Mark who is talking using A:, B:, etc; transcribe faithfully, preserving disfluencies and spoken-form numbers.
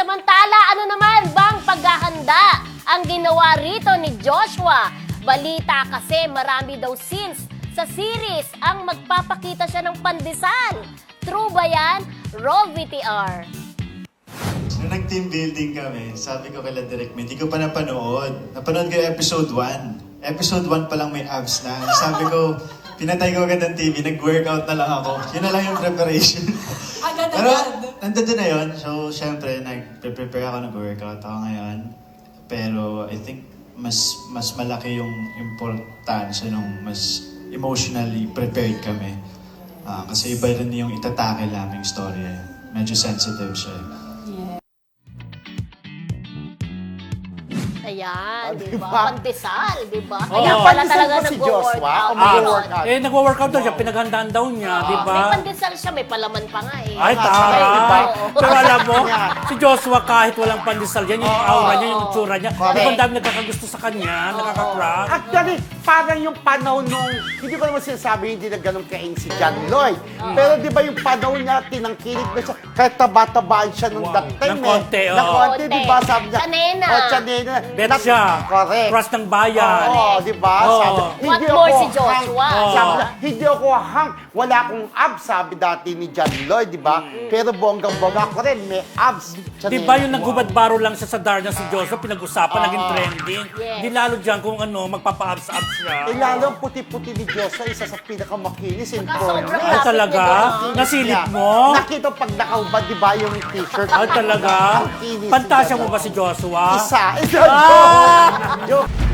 A: Samantala, ano naman bang paghahanda ang ginawa rito ni Joshua? Balita kasi marami daw scenes sa series ang magpapakita siya ng pandesal. True ba yan? Roll V T R.
B: Nung nag-team building kami, sabi ko kay Direk, hindi ko pa napanood. Napanood ko yung episode one. Episode one pa lang may abs na. Sabi ko, pinatay ko agad ang T V, nag-workout na lang ako. Yun na lang yung preparation. Pero nandun na yun. So, syempre, nag-prepare ako, nag-workout ako ngayon. Pero I think mas mas malaki yung importansya nung mas emotionally prepared kami. Uh, kasi iba rin yung itatake naming story. Medyo sensitive siya.
A: Ayan,
C: Ah,
A: di
C: diba?
A: ba? Pandesal, di ba?
C: Oh.
A: Kaya
C: May
A: pala
C: pandesal
A: talaga
C: ba si Joshua?
A: nag-workout.
C: O mag-workout?
D: Eh, nagwo-workout daw siya. Pinaghandaan daw niya, di ba?
A: May pandesal siya, may palaman pa nga eh.
D: Ay,
C: Ay,
D: taray.
C: diba?
D: Pero alam mo,
C: Yeah.
D: si Joshua kahit walang pandesal yan, yung
C: Oo.
D: aura niya, yung itsura niya,
C: Correct.
D: di ba ang dami nagkakagusto sa kanya, nakaka-crush?
C: Actually, parang yung panahon nung, hindi ko naman sinasabi hindi na ganun kaing si John Lloyd. Pero di ba yung panahon niya, tinangkilig na siya, kahit taba-tabaan siya nung
D: Wow.
C: that time
D: Ng konti,
C: eh.
D: oo.
C: Ng konti, di ba? Sabi niya,
A: Tsanena.
C: Oh, tsanena.
D: Bet
C: Nat-
D: siya.
C: Correct.
D: Crush ng bayan.
C: Oo, di ba?
D: Oo.
C: Sabi,
A: What
C: hindi
A: more
C: ako
A: si Joshua?
C: hang.
D: Oo.
C: Sabi niya, hindi ako hang. Wala akong abs, sabi dati ni John Lloyd, di ba? Pero bonggang-bongga ko rin, may abs.
D: Di ba yung naghubad-baro lang siya sa Darna si Joshua, pinag-usapan,
C: Ah.
D: naging trending.
A: Yes.
D: Di lalo dyan kung ano, magpapa-abs-abs siya.
C: Eh, lalo ang puti-puti ni Joshua, isa sa pinakamakinis in
A: Sobrang
C: porn.
D: Ay, talaga?
A: Lapit niya
D: Nasilip mo?
C: Nakita pag nakahubad, di ba, yung t-shirt?
D: Ay, talaga?
C: Ang kinis
D: Pantasya
C: niya.
D: mo ba si Joshua?
C: Isa. Isa.
D: Ah!
C: Joke.